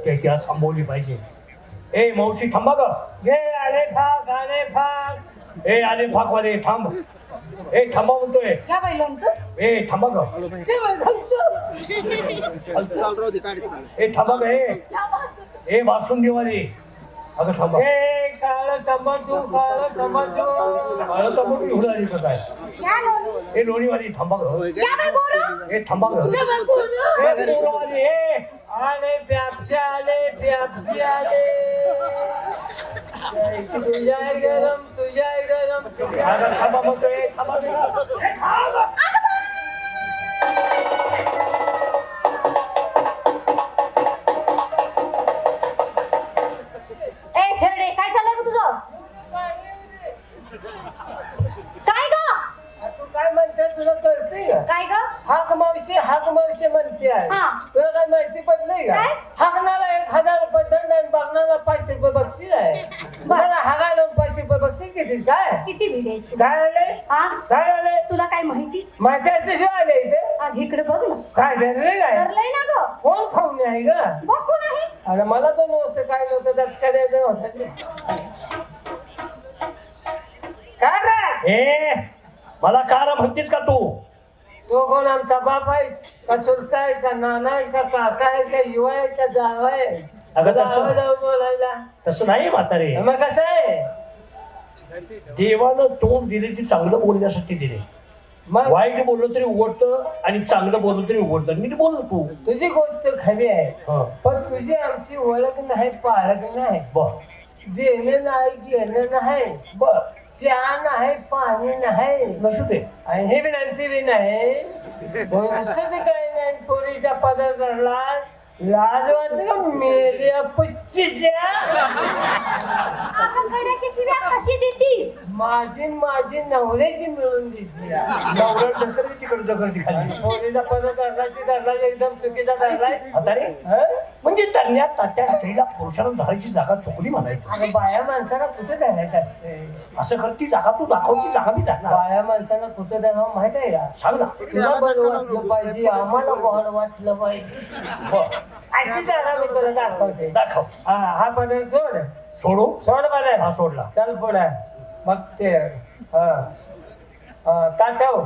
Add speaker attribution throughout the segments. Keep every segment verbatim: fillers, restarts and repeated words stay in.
Speaker 1: त्याला थांबवली पाहिजे. ए मावशी थांबा ग.
Speaker 2: घे आले फाक आले फाक.
Speaker 1: ए आले फाकवाले थांब. ए थांबा म्हणतोय.
Speaker 3: घ्या बाई लोणचं.
Speaker 1: ए थांबा ग.
Speaker 3: ते बाई लोणचं.
Speaker 1: ए थांबा ग. ए ए बासुंदीवाली अगं थांबा.
Speaker 2: हे काळं टमाटो काळं टमाटो.
Speaker 1: मला तंबाखू घेऊन आली का काय?
Speaker 3: घ्या लोणी.
Speaker 1: ए लोणीवाली थांबा ग.
Speaker 3: घ्या बाई बोरं.
Speaker 1: ए थांबा ग.
Speaker 3: घ्या बाई बोरं.
Speaker 2: हे पोरवाली हे आले प्यापशी आले प्यापशी आले. तुझ्या गरम तुझ्या गरम.
Speaker 1: अगं थांबा म्हणतोय. थांबा ग. ए, थांब.
Speaker 3: ए खेरडे काय चाललंय ग तुझं? काय ग?
Speaker 2: तू काय म्हणते तुला कळते का?
Speaker 3: काय ग?
Speaker 2: हाक मावशी हाक मावशी म्हणते आहे.
Speaker 3: हा.
Speaker 2: तुला काय माहिती पडलंय का?
Speaker 3: काय?
Speaker 2: हाकणाला एक हजार रुपये दंड आणि बघणारा पाचशे रुपये बक्षीस आहे. मला हागायला पाचशे रुपये बक्षीस किती काय?
Speaker 3: किती विदेश?
Speaker 2: काय आले
Speaker 3: हा?
Speaker 2: काय आले
Speaker 3: तुला काय माहिती?
Speaker 2: माझ्या शिवाय आले इथे
Speaker 3: आग इकडे बघ ना.
Speaker 2: काय धरले काय
Speaker 3: ठरलंय ना ग?
Speaker 2: कोण खाऊन आहे ग?
Speaker 3: बघू नाही.
Speaker 2: अरे मला तर नव्हतं काय नव्हतं त्याच करायचं होतं. काय रे
Speaker 1: ए मला कार म्हणतेस का तू?
Speaker 2: तो कोण आमचा बाप आहे का चुलता आहे का नाना आहे का काका आहे का युवा आहे का जावा आहे?
Speaker 1: अगं तसं-
Speaker 2: जावं जावं बोलायला
Speaker 1: तसं नाही म्हातारे.
Speaker 2: मग कसं आहे
Speaker 1: देवानं तोंड दिले ती चांगलं बोलण्यासाठी दिले.
Speaker 2: मग
Speaker 1: वाईट बोललं तरी उघडतं आणि चांगलं बोललं तरी उघडतं. मी बोल तू.
Speaker 2: तुझी गोष्ट खरी आहे
Speaker 1: हा
Speaker 2: पण तुझी आमची ओळख नाही पाळख नाही.
Speaker 1: बर
Speaker 2: देणं नाही घेणं नाही
Speaker 1: बर
Speaker 2: चहा नाही पाणी नाही
Speaker 1: नसू दे.
Speaker 2: आणि हे विनंती बी नाही कोणतं बी काही नाही. पोरीच्या पदार्थ धरला लाज वाटते का मेल्या पुच्चीच्या.
Speaker 3: आखांगड्याच्या शिव्या कशी देतीस?
Speaker 2: माझी माझी नवऱ्याची मिळून दिली.
Speaker 1: नवरा ढकलली तिकडे ढकलती खाली.
Speaker 2: पोरीचा पदार्थ धरला ती धरला एकदम चुकीचा धरलाय.
Speaker 1: म्हातारे
Speaker 2: हं?
Speaker 1: म्हणजे तरण्यात तात्या स्त्रीला पुरुषाला धरायची जागा चुकली म्हणायची.
Speaker 2: अगं बाया माणसाला कुठे धरायचं असते?
Speaker 1: असं करती जागा तू दाखवती जागा मी दाखणार.
Speaker 2: बाया माणसाला कुठे धरावं माहित आहे का?
Speaker 1: सांग ना.
Speaker 2: तुला बरं वाचलं पाहिजे आम्हाला बरं वाचलं पाहिजे.
Speaker 1: बर
Speaker 2: अशी धरा मी तुला दाखवते.
Speaker 1: दाखव.
Speaker 2: हा हा पदार्थ सोड
Speaker 1: सोडू.
Speaker 2: सोड पदार्थ
Speaker 1: हा सोडला.
Speaker 2: चल पुढे मग ते हा हा ताटव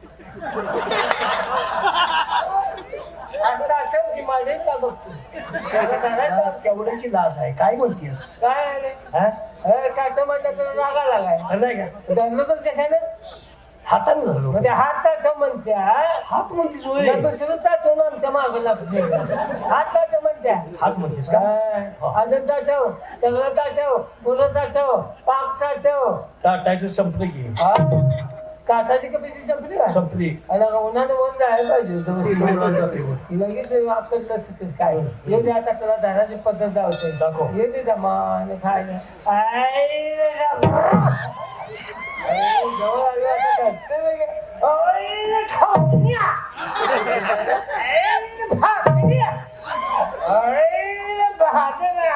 Speaker 2: ताटवची माझे का बघतो
Speaker 1: केवढ्याची लाज आहे काय बोलतीयस?
Speaker 2: काय आले
Speaker 1: हा
Speaker 2: ताट म्हणलं तर रागा लागाय
Speaker 1: नाही का?
Speaker 2: धरलं तर कशाने
Speaker 1: हाताने धरलो.
Speaker 2: म्हणजे हात ताट म्हणत्या
Speaker 1: हात म्हणतीस होय.
Speaker 2: या दुसरं ताटवून आमच्या मागं लागते हात ताट म्हणत्या
Speaker 1: हात म्हणतीस का?
Speaker 2: अजून ताटव सगळं ताटव पुरं ताटव पाक ताटव
Speaker 1: ताटायचं संपलं की.
Speaker 2: हा काठाची कपिची संपली का
Speaker 1: संपली.
Speaker 2: आणि उन्हाने वन जायला पाहिजे
Speaker 1: उन्हानं जाते वर.
Speaker 2: लगेच आपलं लसतेच काय येऊ दे आता तुला धराची पद्धत दावते
Speaker 1: दाखव.
Speaker 2: येऊ दे जमान खायला आई रे रामा. आई, जवळ आली आता धरते लगे. आई रे खाऊया. आई रे भाकऱ्या. आई रे भाकऱ्या.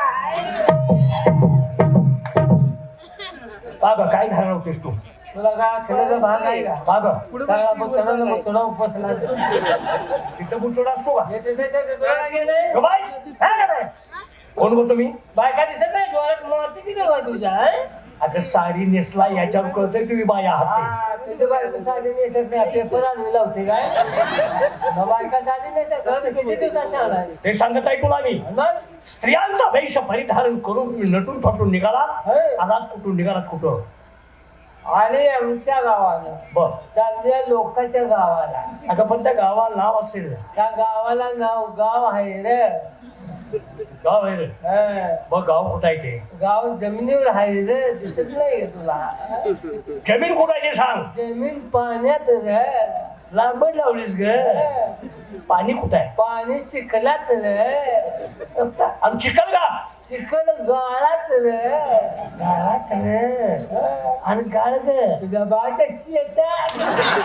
Speaker 1: बाबा काय घालणार होतेस तू?
Speaker 2: तुला काय खेळायचा भाग आहे का?
Speaker 1: बाबा
Speaker 2: सगळा मग चला ना मग तुला उपसला
Speaker 1: तिथं बुचोडा असतो का?
Speaker 2: येते ते तुला गेले
Speaker 1: गं बाईस. कोण बोलतो मी?
Speaker 2: बायका दिसत नाही डोळ्यात मोती किती का तुझ्या हं?
Speaker 1: अगं साडी नेसला याच्यावर कळतंय तुम्ही बाया आहात ते.
Speaker 2: हा, तुझी बायको साडी नेसत नाही पेपर आणून लावते काय मग बायका साडी नेसत घरात किती दिवसात आलाय
Speaker 1: ते सांगत आहे तुला मी.
Speaker 2: मग
Speaker 1: स्त्रियांचा वेश परिधारण करून तुम्ही नटून फटून निघाला.
Speaker 2: हे.
Speaker 1: आलात कुठून निघालात कुठं?
Speaker 2: आणि आमच्या गावाला
Speaker 1: बर
Speaker 2: चांगल्या लोकांच्या गावाला
Speaker 1: आता पण त्या गावाला नाव असेल.
Speaker 2: त्या गावाला नाव गाव आहे रे
Speaker 1: गाव आहे रे.
Speaker 2: हं.
Speaker 1: बघ गाव कुठं आहे ते?
Speaker 2: गाव जमिनीवर आहे रे दिसत नाही का तुला
Speaker 1: जमीन कुठं आहे ते सांग.
Speaker 2: जमीन पाण्यात रे
Speaker 1: लांबड लावलीस ग. पाणी कुठं आहे?
Speaker 2: पाणी चिखलात रे
Speaker 1: आणि चिखल का?
Speaker 2: चिखल गाळात रे
Speaker 1: गाळात रे.
Speaker 2: हं.
Speaker 1: आणि गाळ ग.
Speaker 2: तुझ्या बायका शेतात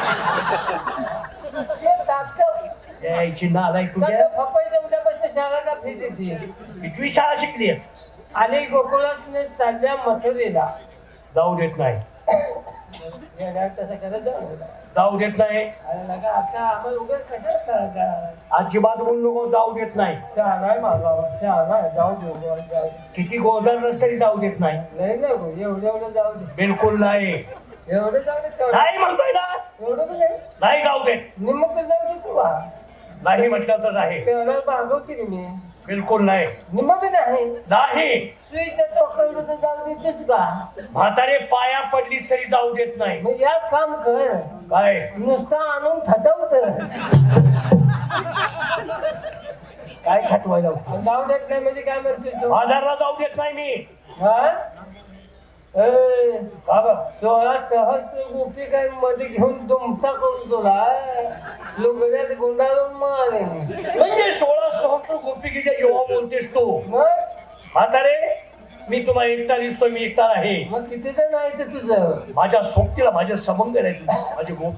Speaker 2: शेतात
Speaker 1: यायची नालाय तुझ्या.
Speaker 2: फपाईच्या उद्यापासून शाळांना फी देते
Speaker 1: कितवी शाळा शिकलीस?
Speaker 2: आणि गोकुळासने चालल्या मथुरेला
Speaker 1: जाऊ देत नाही.
Speaker 2: खेळायला तसं करत जाऊ
Speaker 1: जाऊ देत नाही.
Speaker 2: अरे नका आता आम्हाला उगाच कशात करायचं
Speaker 1: अजिबात बोलू नको, जाऊ देत नाही.
Speaker 2: शहाणा आहे माझा शहाणा आहे जाऊ देऊ बुवा, जाऊ दे.
Speaker 1: किती गोदर नसतरी जाऊ देत नाही.
Speaker 2: नाही नाही भाऊ, एवढं एवढं जाऊ दे
Speaker 1: बिलकुल नाही.
Speaker 2: एवढं जाऊ दे तेवढं.
Speaker 1: नाही म्हणतोय ना,
Speaker 2: एवढं पण नाही
Speaker 1: नाही जाऊ देत.
Speaker 2: निम्म पण जाऊ दे तू बा
Speaker 1: नाही म्हटलं तर आहे.
Speaker 2: तेवढं मागवते की मी
Speaker 1: बिलकुल नाही.
Speaker 2: निम्म पण आहे
Speaker 1: नाही.
Speaker 2: सुईच्या चौकवलं तर जाऊ देतेच का
Speaker 1: म्हातारे पाया पडलीस तरी जाऊ देत नाही.
Speaker 2: मग या काम कर
Speaker 1: काय
Speaker 2: नुसतं आणून थटवत
Speaker 1: काय खटवायला
Speaker 2: जाऊ देत नाही म्हणजे काय म्हणते तू
Speaker 1: बाजारला जाऊ देत नाही मी.
Speaker 2: हा ए, बाबा सोळा सहस्त्र गोपी काय मध्ये घेऊन तुमचा करून तुला लुगड्यात गुंडाळून मारे
Speaker 1: म्हणजे सोळा सहस्त्र गोपिकेच्या जेव्हा बोलतेस तू
Speaker 2: मग
Speaker 1: म्हातारे, मी तुम्हाला एकटा दिसतोय, मी एकटा आहे.
Speaker 2: मग किती जण आहे ते तुझं
Speaker 1: माझ्या सोबतीला माझ्या समंग आहे माझी गोप